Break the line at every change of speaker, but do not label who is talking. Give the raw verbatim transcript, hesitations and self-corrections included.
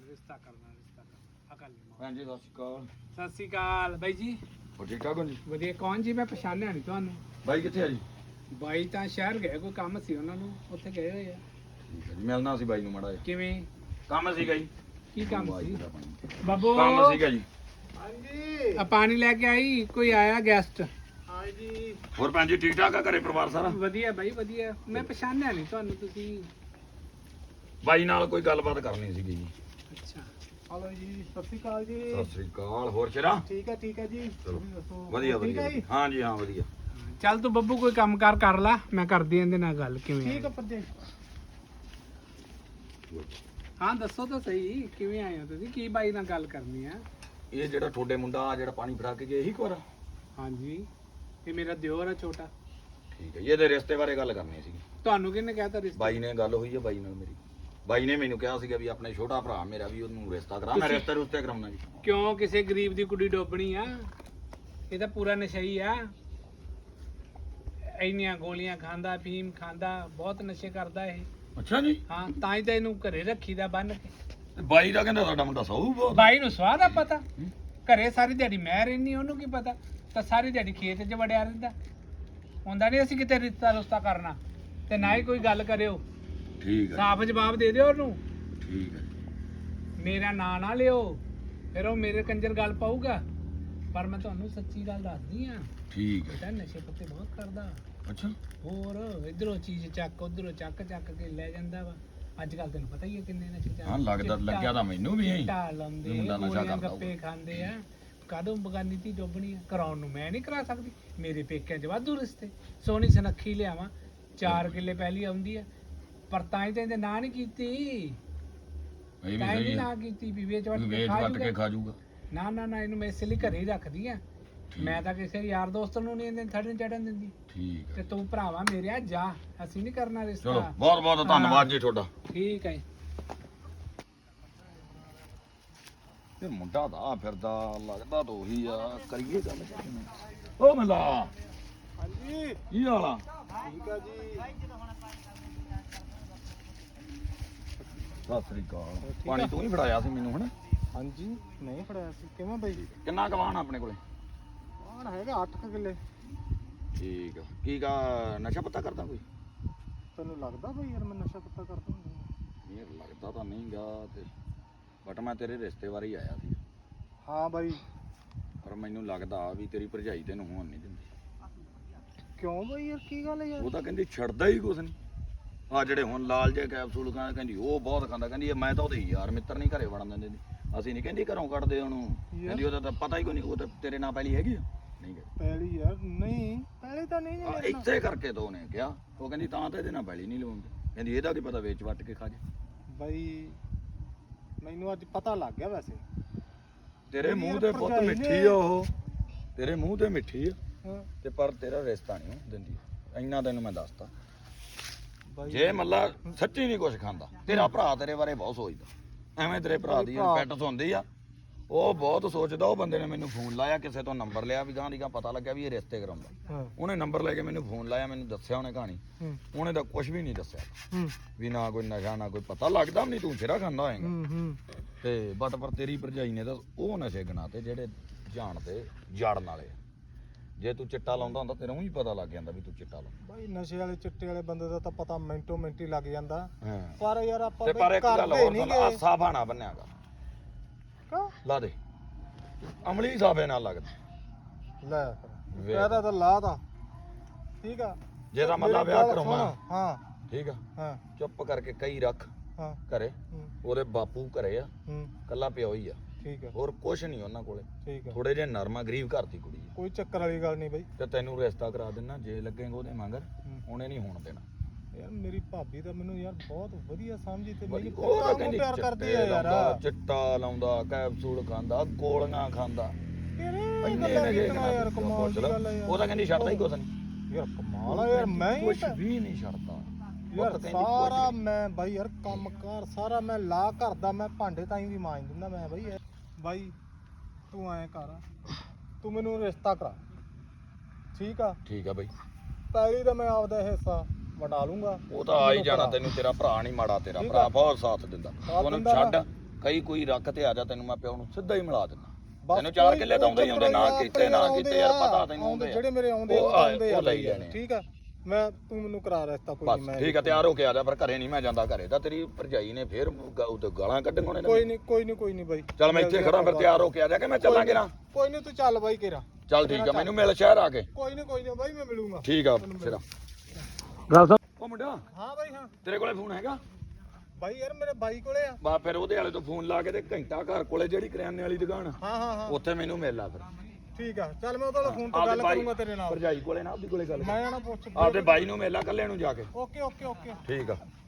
ਰਿਸ਼ਤਾ ਕਰਨਾ ਰਿਸ਼ਤਾ ਕਰਨਾ ਅਕਲ ਨਹੀਂ
ਭੈਣ ਜੀ ਸਤਿ ਸ਼੍ਰੀ ਅਕਾਲ।
ਸਤਿ ਸ਼੍ਰੀ ਅਕਾਲ ਬਾਈ ਜੀ।
ਹੋਰ ਠੀਕ ਠਾਕ ਹੋ ਜੀ?
ਵਧੀਆ। ਕੌਣ ਜੀ? ਮੈਂ ਪਛਾਣਿਆ ਨਹੀਂ ਤੁਹਾਨੂੰ।
ਬਾਈ ਕਿੱਥੇ ਆ ਜੀ?
ਬਾਈ ਤਾਂ ਸ਼ਹਿਰ ਗਏ, ਕੋਈ ਕੰਮ ਸੀ ਉਹਨਾਂ ਨੂੰ, ਉੱਥੇ ਗਏ ਹੋਏ ਆ।
ਠੀਕ ਹੈ ਜੀ, ਮਿਲਣਾ ਸੀ ਬਾਈ ਨੂੰ ਮਾੜਾ ਜਿਹਾ।
ਕਿਵੇਂ?
ਕੰਮ ਸੀਗਾ ਜੀ।
ਕੀ ਕੰਮ
ਬਾਈ
ਸੀ?
ਦਾ ਪਾਣੀ।
ਬਾਬੂ
ਕੰਮ ਸੀਗਾ ਜੀ।
ਹਾਂਜੀ। ਆ ਪਾਣੀ ਲੈ ਕੇ ਆਈ, ਕੋਈ ਆਇਆ ਗੈਸਟ? ਹਾਂਜੀ।
ਹੋਰ ਭੈਣ ਜੀ ਠੀਕ ਠਾਕ ਆ? ਘਰੇ ਪਰਿਵਾਰ ਸਾਰਾ
ਵਧੀਆ ਬਾਈ ਵਧੀਆ। ਮੈਂ ਪਛਾਣਿਆ ਨਹੀਂ ਤੁਹਾਨੂੰ, ਤੁਸੀਂ?
ਬਾਈ ਨਾਲ ਕੋਈ ਗੱਲਬਾਤ ਕਰਨੀ ਸੀਗੀ ਜੀ।
ਅੱਛਾ। ਹਲੋ ਜੀ, ਸਤਿ ਸ਼੍ਰੀ ਅਕਾਲ ਜੀ।
ਸਤਿ ਸ੍ਰੀ ਅਕਾਲ। ਹੋਰ ਸ਼ੇਰਾ?
ਠੀਕ ਹੈ ਠੀਕ ਹੈ ਜੀ।
ਚਲੋ
ਤੁਸੀਂ ਦੱਸੋ?
ਵਧੀਆ
ਠੀਕ ਹੈ
ਵਧੀਆ।
ਜੀ?
ਹਾਂ ਜੀ ਹਾਂ ਵਧੀਆ।
ਚੱਲ ਤੂੰ ਬੱਬੂ ਕੋਈ ਕੰਮ ਕਾਰ ਕਰ ਲਾ, ਮੈਂ ਕਰਦੀ ਇਹਦੇ ਨਾਲ ਗੱਲ। ਕਿਵੇਂ?
ਠੀਕ ਆ ਪੱਦੇ।
ਹਾਂ ਦੱਸੋ ਤਾਂ ਸਹੀ, ਕਿਵੇਂ ਆਏ ਹੋ ਤੁਸੀਂ? ਕੀ ਬਾਈ ਨਾਲ ਗੱਲ ਕਰਨੀ ਆ?
ਇਹ ਜਿਹੜਾ ਤੁਹਾਡੇ ਮੁੰਡਾ ਜਿਹੜਾ ਪਾਣੀ ਫੜਾ ਕੇ ਗਿਆ ਇਹੀ ਕੋਰਾ?
ਹਾਂਜੀ, ਇਹ ਮੇਰਾ ਦਿਓਰ ਆ ਛੋਟਾ।
ਠੀਕ ਹੈ ਜੀ, ਇਹਦੇ ਰਿਸ਼ਤੇ ਬਾਰੇ ਗੱਲ ਕਰਨੀ ਸੀਗੀ।
ਤੁਹਾਨੂੰ ਕਿਹਨੇ ਕਹਿਤਾ ਰਿਸ਼ਤਾ?
ਬਾਈ ਨੇ ਗੱਲ ਹੋਈ ਹੈ ਬਾਈ ਨਾਲ ਮੇਰੀ। ਬਾਈ ਨੇ ਮੈਨੂੰ ਕਿਹਾ ਸੀਗਾ ਵੀ ਆਪਣੇ ਛੋਟਾ ਭਰਾ ਮੇਰਾ ਵੀ ਉਹਨੂੰ ਰਿਸ਼ਤਾ ਕਰਾ। ਮੈਂ ਰਿਸ਼ਤੇ ਰੁਸ਼ਤੇ ਕਰਾਉਣਾ ਜੀ।
ਕਿਉਂ ਕਿਸੇ ਗਰੀਬ ਦੀ ਕੁੜੀ ਡੋਬਣੀ ਆ? ਇਹ ਤਾਂ ਪੂਰਾ ਨਸ਼ਈ ਆ। ਇੰਨੀਆਂ ਗੋਲੀਆਂ ਖਾਂਦਾ, ਫੀਮ ਖਾਂਦਾ, ਬਹੁਤ ਨਸ਼ੇ ਕਰਦਾ ਇਹ।
ਅੱਛਾ ਜੀ।
ਹਾਂ, ਤਾਂ ਹੀ ਤਾਂ ਇਹਨੂੰ ਘਰੇ ਰੱਖੀਦਾ ਬੰਨ ਕੇ।
ਤੇ ਬਾਈ ਦਾ ਕਹਿੰਦਾ ਸਾਡਾ ਮੁੰਡਾ ਸਹੂ ਬਹੁਤ।
ਬਾਈ ਨੂੰ ਸਵਾਦ ਆ ਪਤਾ। ਘਰੇ ਸਾਰੀ ਦਿਹਾੜੀ ਮੈਂ ਰਹਿਨੀ, ਉਹਨੂੰ ਕੀ ਪਤਾ? ਤਾਂ ਸਾਰੀ ਦਿਹਾੜੀ ਖੇਤ 'ਚ ਵੜਿਆ ਰਹਿੰਦਾ। ਹੁੰਦਾ ਨਹੀਂ ਅਸੀਂ ਕਿਤੇ ਰਿਸ਼ਤਾ ਰੁਸ਼ਤਾ ਕਰਨਾ, ਤੇ ਨਾ ਹੀ ਕੋਈ ਗੱਲ ਕਰਿਓ।
ਠੀਕ ਹੈ
ਸਾਫ਼ ਜਵਾਬ ਦੇ ਦਿਓ ਉਹਨੂੰ।
ਠੀਕ ਹੈ।
ਮੇਰਾ ਨਾਂ ਨਾ ਲਿਓ, ਫਿਰ ਉਹ ਮੇਰੇ ਕੰਜਰ ਗੱਲ ਪਾਊਗਾ। ਪਰ ਮੈਂ ਤੁਹਾਨੂੰ ਸੱਚੀ ਗੱਲ ਦੱਸਦੀ ਆ,
ਠੀਕ ਹੈ।
ਬੇਟਾ ਨਸ਼ੇ ਪੱਤੇ ਬਹੁਤ ਕਰਦਾ।
ਅੱਛਾ।
ਹੋਰ ਇਧਰੋਂ ਚੀਜ਼ ਚੱਕ, ਉਧਰੋਂ ਚੱਕ ਚੱਕ ਕੇ ਲੈ ਜਾਂਦਾ ਵਾ। ਅੱਜ ਕੱਲ ਤੈਨੂੰ ਪਤਾ ਹੀ ਹੈ ਕਿੰਨੇ ਨਸ਼ੇ ਚੱਲਦੇ।
ਹਾਂ ਲੱਗਦਾ ਲੱਗਿਆ ਤਾਂ ਮੈਨੂੰ ਵੀ ਐਂ
ਚਿੱਟਾ ਲਾਉਂਦੇ,
ਮੁੰਡਾ ਨਸ਼ਾ
ਗੋਲੀਆਂ
ਕਰਦਾ
ਗੱਪੇ ਖਾਂਦੇ ਆ। ਕਦੋਂ ਬਗਾਨੀ ਤੀ ਡੋਬਣੀ ਆ? ਕਰਾਉਣ ਨੂੰ ਮੈਂ ਨਹੀਂ ਕਰਾ ਸਕਦੀ। ਮੇਰੇ ਪੇਕਿਆਂ 'ਚ ਵਾਧੂ ਰਿਸ਼ਤੇ। ਸੋਹਣੀ ਸੁਨੱਖੀ ਲਿਆਵਾਂ, ਚਾਰ ਕਿੱਲੇ ਪਹਿਲੀ ਆਉਂਦੀ ਆ, ਪਰ ਤਾਂ ਹੀ ਤਾਂ ਇਹਦੇ ਨਾਂ ਨਹੀਂ ਕੀਤੀ।
ਇਹ ਵੀ
ਤਾਂ ਹੀ
ਸਹੀ
ਨਹੀਂ
ਹੈ।
ਨਾਂ ਕੀਤੀ ਵੀ ਵੇਚ ਵੱਟ ਕੇ
ਵੇਚ
ਖਾ
ਵੱਟ ਕੇ
ਜੂਗਾ।
ਖਾ ਜਾਊਗਾ।
ਨਾ ਨਾ ਨਾ, ਇਹਨੂੰ ਮੈਂ ਇਸੇ ਲਈ ਘਰੇ ਹੀ ਰੱਖਦੀ ਆ। ਮੈਂ ਤਾਂ ਕਿਸੇ ਯਾਰ ਦੋਸਤ ਨੂੰ ਨਹੀਂ ਇਹਦੇ ਥੜਨ ਚੜਨ ਦਿੰਦੀ।
ਠੀਕ
ਤੇ
ਹੈ।
ਤੂੰ ਭਰਾਵਾ ਮੇਰੇ ਜਾ, ਅਸੀਂ ਨਹੀਂ ਕਰਨਾ ਰਿਸ਼ਤਾ।
ਚਲੋ ਬਹੁਤ ਬਹੁਤ ਧੰਨਵਾਦ ਜੀ ਤੁਹਾਡਾ।
ਠੀਕ ਹੈ।
ਇਹ ਮੁੰਡਾ ਤਾਂ ਫਿਰਦਾ ਲੱਗਦਾ ਤਾਂ ਉਹੀ ਆ। ਕਰੀਏ ਗੱਲ ਓ ਮਲਾ।
ਹਾਂਜੀ
ਕੀ ਹਾਲ ਆ?
ਠੀਕ ਆ ਜੀ।
ਸਤਿ ਸ੍ਰੀ ਅਕਾਲ। ਪਾਣੀ ਤੂੰ ਹੀ ਫੜਾਇਆ ਸੀ ਮੈਨੂੰ ਹਨਾ?
ਹਾਂਜੀ ਨਹੀਂ ਫੜਿਆ ਸੀ। ਕਿਵੇਂ ਬਾਈ?
ਕਿੰਨਾ ਕਵਾਨ ਆਪਣੇ ਕੋਲੇ?
ਆਣ ਹੈਗਾ ਅੱਠ ਕੁ ਕਿੱਲੇ।
ਠੀਕ ਆ। ਕੀ ਕਾ ਨਸ਼ਾ ਪੱਤਾ ਕਰਦਾ ਕੋਈ?
ਤੈਨੂੰ ਲੱਗਦਾ ਬਈ ਯਾਰ ਮੈਂ ਨਸ਼ਾ ਪੱਤਾ ਕਰਦਾ ਹੁੰਦਾ?
ਇਹ ਲੱਗਦਾ ਤਾਂ ਨਹੀਂਗਾ ਤੇ ਬਟ ਮੈਂ ਤੇਰੇ ਰਿਸ਼ਤੇ ਬਾਰੇ ਹੀ ਆਇਆ ਸੀ।
ਹਾਂ ਬਾਈ।
ਪਰ ਮੈਨੂੰ ਲੱਗਦਾ ਵੀ ਤੇਰੀ ਭਰਜਾਈ ਤੈਨੂੰ ਹੋਣ ਨਹੀਂ ਦਿੰਦੀ।
ਕਿਉਂ ਬਾਈ ਯਾਰ ਕੀ ਗੱਲ ਹੈ ਯਾਰ?
ਉਹ ਤਾਂ ਕਹਿੰਦੀ ਛੱਡਦਾ ਹੀ ਕੁਛ ਨਹੀਂ। ਆ ਜਿਹੜੇ ਹੁਣ ਲਾਲ ਜੇ ਕੈਪਸੂਲ ਖਾਂ ਕਹਿੰਦੀ ਉਹ ਬਹੁਤ ਖਾਂਦਾ। ਕਹਿੰਦੀ ਇਹ ਮੈਂ ਤਾਂ ਉਹਦੇ ਯਾਰ ਮਿੱਤਰ ਨਹੀਂ ਘਰੇ ਵੜਨ ਦਿੰਦੇ। ਅਸੀਂ ਨਹੀਂ ਕਹਿੰਦੀ ਘਰੋਂ ਕੱਢਦੇ ਉਹਨੂੰ। ਕਹਿੰਦੀ ਉਹਦਾ ਤਾਂ ਪਤਾ ਹੀ ਕੋਈ ਨਹੀਂ। ਉਹ ਤਾਂ ਤੇਰੇ ਨਾਲ ਪਹਿਲੀ ਹੈਗੀ ਆ? ਨਹੀਂ ਗਈ
ਪਹਿਲੀ ਯਾਰ ਨਹੀਂ, ਪਹਿਲੀ ਤਾਂ ਨਹੀਂ
ਆ
ਜੀ।
ਇੱਥੇ ਕਰਕੇ ਤਾਂ ਉਹਨੇ ਕਿਹਾ। ਉਹ ਕਹਿੰਦੀ ਤਾਂ ਤਾਂ ਇਹਦੇ ਨਾਲ ਪਹਿਲੀ ਨਹੀਂ ਲਵਾਉਂਦੇ। ਕਹਿੰਦੀ ਇਹਦਾ ਕੀ ਪਤਾ ਵੇਚ ਵੱਟ ਕੇ ਖਾ ਜਾ।
ਬਾਈ ਮੈਨੂੰ ਅੱਜ ਪਤਾ ਲੱਗ ਗਿਆ ਵੈਸੇ।
ਤੇਰੇ
ਯਾਰ
ਮੂੰਹ ਤੇ ਪੁੱਤ
ਭਰਜਾਈ
ਮਿੱਠੀ
ਨੇ-
ਆ ਉਹ। ਤੇਰੇ ਮੂੰਹ ਤੇ ਮਿੱਠੀ ਆ
ਹਾਂ
ਤੇ ਪਰ ਤੇਰਾ ਰਿਸ਼ਤਾ ਨਹੀਂ ਦਿੰਦੀ। ਇੰਨਾ ਤੈਨੂੰ ਮੈਂ ਦੱਸਤਾ।
ਬਾਈ
ਜੇ ਮੱਲਾ ਸੱਚੀ ਨਹੀਂ ਕੁਛ ਖਾਂਦਾ, ਤੇਰਾ ਭਰਾ ਤੇਰੇ ਬਾਰੇ ਬਹੁਤ ਸੋਚਦਾ। ਐਵੇਂ ਤੇਰੇ ਭਰਾ ਦੀ ਪੈਟ ਸੁਣਦੀ ਆ। ਉਹ ਬਹੁਤ ਸੋਚਦਾ। ਉਹ ਬੰਦੇ ਨੇ ਮੈਨੂੰ ਫੋਨ ਲਾਇਆ, ਕਿਸੇ ਤੋਂ ਨੰਬਰ ਲਿਆ ਵੀ ਗਾਂ ਦੀ ਗਾਂ ਪਤਾ ਲੱਗਿਆ ਵੀ ਇਹ ਰਿਸ਼ਤੇ ਕਰਾਉਂਦਾ।
ਹਾਂ
ਉਹਨੇ ਨੰਬਰ ਲੈ ਕੇ ਮੈਨੂੰ ਫੋਨ ਲਾਇਆ, ਮੈਨੂੰ ਦੱਸਿਆ ਉਹਨੇ ਕਹਾਣੀ।
ਹੂੰ
ਉਹਨੇ ਤਾਂ ਕੁਝ ਵੀ ਨਹੀਂ ਦੱਸਿਆ
ਹੂੰ
ਵੀ ਨਾ ਕੋਈ ਨਸ਼ਾ ਨਾ ਕੋਈ ਪਤਾ ਲੱਗਦਾ ਵੀ ਨਹੀਂ। ਤੂੰ ਸਿਰਾ ਖਾਂਦਾ ਹੋਏਗਾ
ਹੂੰ ਹੂੰ
ਤੇ ਬਟ ਪਰ ਤੇਰੀ ਭਰਜਾਈ ਨੇ ਤਾਂ ਉਹ ਨਸ਼ੇ ਗਨਾਤੇ ਜਿਹੜੇ ਜਾਣਦੇ ਜੜਨ ਵਾਲੇ। ਜੇ ਤੂੰ ਚਿੱਟਾ ਲਾਉਂਦਾ ਹੁੰਦਾ ਤੈਨੂੰ ਹੀ ਪਤਾ ਲੱਗ ਜਾਂਦਾ ਵੀ ਤੂੰ ਚਿੱਟਾ ਲਾਉਂਦਾ।
ਬਾਈ ਨਸ਼ੇ ਵਾਲੇ ਚਿੱਟੇ ਵਾਲੇ ਬੰਦੇ ਦਾ ਤਾਂ ਪਤਾ ਮਿੰਟੋ ਮਿੰਟੀ ਲੱਗ ਜਾਂਦਾ।
ਹਾਂ
ਪਰ ਯਾਰ ਆਪਾਂ
ਤੇ ਪਰ
ਬਈ
ਇੱਕ ਗੱਲ
ਕਰਦੇ
ਹੋਰ
ਨੀ
ਸੁਣ,
ਗੇ।
ਆ ਸਾਫਾ ਨਾ ਬੰਨਿਆਗਾ।
ਕਿਉਂ?
ਲਾ ਦੇ ਅਮਲੀ ਸਾਫੇ ਨਾਲ ਲੱਗਦਾ।
ਲੈ ਫਿਰ
ਵੇਖ।
ਇਹਦਾ ਤਾਂ ਲਾ ਦਾ ਠੀਕ ਆ।
ਜੇ ਤਾਂ ਮੱਲਾ
ਮੇਰੀ
ਵਿਆਹ
ਗੱਲ
ਕਰਾਉਣਾ
ਸੁਣ। ਹਾਂ
ਠੀਕ ਆ,
ਹਾਂ
ਚੁੱਪ ਕਰਕੇ ਕਈ ਰੱਖ
ਹਾਂ
ਘਰੇ।
ਹੂੰ
ਉਹਦੇ ਬਾਪੂ ਘਰੇ ਆ,
ਹੂੰ
ਕੱਲਾ ਪਿਓ ਹੀ ਆ,
ਠੀਕ ਆ
ਹੋਰ ਕੁਛ ਨਹੀਂ ਉਹਨਾਂ ਕੋਲੇ।
ਠੀਕ ਆ
ਥੋੜੇ ਜਿਹੇ ਨਰਮਾ ਗਰੀਬ ਘਰ ਦੀ ਕੁੜੀ ਆ।
ਕੋਈ ਚੱਕਰ ਵਾਲੀ ਗੱਲ ਨਹੀਂ ਬਾਈ।
ਤੇ ਤੈਨੂੰ ਰਿਸ਼ਤਾ ਕਰਾ ਦੇਣਾ ਜੇ ਲੱਗੇਗਾ ਉਹਦੇ ਮਗਰ।
ਹੂੰ।
ਉਹਨੇ ਨਹੀਂ ਹੋਣ ਦੇਣਾ।
ਯਾਰ ਮੇਰੀ ਭਾਬੀ ਤਾਂ ਮੈਨੂੰ ਯਾਰ ਬਹੁਤ ਵਧੀਆ ਸਮਝੀ ਤੇ
ਬੜੀ-
ਮੈਨੂੰ
ਉਹ
ਪਤਾ
ਤਾਂ
ਉਹ
ਕਹਿੰਦੀ
ਪਿਆਰ ਕਰਦੀ
ਚਿੱਟੇ
ਆ ਯਾਰ।
ਲਾਉਂਦਾ, ਚਿੱਟਾ ਲਾਉਂਦਾ, ਕੈਪਸੂਲ ਖਾਂਦਾ, ਗੋਲੀਆਂ ਖਾਂਦਾ।
ਕਿਹੜੇ
ਇੰਨੇ
ਗੱਲਾਂ
ਨਸ਼ੇ
ਕੀਤੀਆਂ ਯਾਰ, ਕਮਾਲ ਦੀ ਗੱਲ ਆ ਯਾਰ।
ਉਹ ਤਾਂ ਕਹਿੰਦੀ ਛੱਡਦਾ ਹੀ ਕੁਛ ਨਹੀਂ।
ਯਾਰ ਕਮਾਲ ਆ ਯਾਰ। ਮੈਂ ਹੀ
ਕੁਛ
ਤਾਂ-
ਵੀ ਨਹੀਂ ਛੱਡਦਾ। ਉਹ
ਯਾਰ
ਤਾਂ ਕਹਿੰਦੀ ਕੁਛ
ਸਾਰਾ
ਵੀ।
ਮੈਂ ਬਾਈ ਯਾਰ ਕੰਮ ਕਾਰ ਸਾਰਾ ਮੈਂ ਲਾ ਕਰਦਾ। ਮੈਂ ਭਾਂਡੇ ਤਾਈਂ ਵੀ ਮਾਂਜ ਦਿੰਦਾ ਮੈਂ ਬਾਈ। ਯਾਰ ਬਾਈ ਤੂੰ ਐਂ ਕਰ, ਤੂੰ ਮੈਨੂੰ ਰਿਸ਼ਤਾ ਕਰਾ ਠੀਕ ਆ।
ਠੀਕ ਆ ਬਈ।
ਪਹਿਲੀ ਤਾਂ ਮੈਂ ਆਪਦਾ ਹਿੱਸਾ ਵਟਾ ਲੂੰਗਾ।
ਉਹ ਤਾਂ ਆ ਹੀ ਜਾਣਾ। ਤੈਨੂੰ ਤੇਰਾ ਭਰਾ ਨਹੀਂ ਮਾੜਾ। ਤੇਰਾ
ਠੀਕ
ਭਰਾ
ਆ।
ਬਹੁਤ ਸਾਥ ਦਿੰਦਾ।
ਸਾਥ
ਉਹਨੂੰ
ਦਿੰਦਾ
ਛੱਡ, ਕਈ ਕੋਈ ਰੱਖ ਤੇ ਆ ਜਾ ਤੈਨੂੰ ਮੈਂ ਪਿਓ ਨੂੰ ਸਿੱਧਾ ਹੀ ਮਿਲਾ ਦਿੰਦਾ
ਬਸ
ਤੈਨੂੰ ਚਾਰ
ਕੋਈ-
ਕਿੱਲੇ ਤਾਂ ਆਉਂਦੇ ਹੀ ਆਉਂਦੇ ਨਾ
ਆਪਣੇ
ਕੀਤੇ ਨਾ
ਆਉਂਦੇ
ਕੀਤੇ ਯਾਰ
ਆ,
ਪਤਾ ਤੈਨੂੰ ਆਉਂਦੇ ਆ।
ਜਿਹੜੇ ਮੇਰੇ ਆਉਂਦੇ
ਉਹ
ਉਹ ਆਉਂਦੇ ਆ
ਉਹ ਲਈ
ਬਈ
ਜਾਣੇ।
ਠੀਕ ਆ ਮੈਂ ਤੂੰ ਮੈਨੂੰ ਕਰਾ ਰਸਤਾ ਕੋਈ
ਬਸ
ਨਹੀਂ ਮੈਂ
ਠੀਕ ਆ ਤਿਆਰ ਹੋ ਕੇ ਆ ਜਾ ਪਰ ਘਰੇ ਨਹੀਂ ਮੈਂ ਜਾਂਦਾ ਘਰੇ ਤਾਂ ਤੇਰੀ ਭਰਜਾਈ ਨੇ ਫੇਰ ਗ- ਉਹ ਤੇ ਗਾਲਾਂ ਕੱਢਣ ਨੇ
ਕੋਈ ਨਹੀਂ ਕੋਈ ਨਹੀਂ ਕੋਈ ਨਹੀਂ ਬਾਈ
ਚੱਲ ਮੈਂ ਇੱਥੇ ਖੜਾ ਫਿਰ ਤਿਆਰ ਹੋ ਕੇ ਆ ਜਾ ਕਿ ਮੈਂ ਚੱਲਾਂਗੇ ਨਾ
ਕੋਈ ਨਹੀਂ ਤੂੰ ਚੱਲ ਬਾਈ ਕੇਰਾ
ਚੱਲ ਠੀਕ ਆ ਮੈਨੂੰ ਮਿਲ ਸ਼ਹਿਰ ਆ ਕੇ
ਕੋਈ ਨਹੀਂ ਕੋਈ ਨਹੀਂ ਬਾਈ ਮੈਂ ਮਿਲੂੰਗਾ
ਠੀਕ ਆ ਸਿਰਾ
ਗੱਲ ਸੁਣ
ਉਹ ਮੁੰਡਾ
ਹਾਂ ਬਾਈ ਹਾਂ
ਤੇਰੇ ਕੋਲੇ ਫੋਨ ਹੈਗਾ
ਬਾਈ ਯਾਰ ਮੇਰੇ ਬਾਈ ਕੋਲੇ ਆ
ਬਾ ਫਿਰ ਉਹਦੇ ਵਾਲੇ ਤੋਂ ਫੋਨ ਲਾ ਕੇ ਤੇ ਘੰਟਾ ਘਰ ਕੋਲੇ ਜਿਹੜੀ ਕਰਿਆਨੇ ਵਾਲੀ ਦੁਕਾਨ
ਹਾਂ ਹਾਂ ਹਾਂ
ਉੱਥੇ ਮੈਨੂੰ ਮਿਲ ਲਾ ਫਿਰ
ਠੀਕ ਆ ਚੱਲ ਮੈਂ ਉਹਦੇ ਨਾਲ ਫੋਨ ਤੇ
ਆਪਦੇ
ਗੱਲ
ਬਾਈ-
ਕਰੂੰਗਾ ਤੇਰੇ ਨਾਲ
ਭਰਜਾਈ ਕੋਲੇ ਨਾ ਆਪਦੀ ਕੋਲੇ ਗੱਲ
ਮੈਂ ਨਾ ਪੁੱਛ
ਆਪਦੇ ਬਾਈ ਨੂੰ ਮਿਲ ਲਾ ਕੱਲੇ ਨੂੰ ਜਾ ਕੇ
ਓਕੇ ਓਕੇ ਓਕੇ
ਠੀਕ ਆ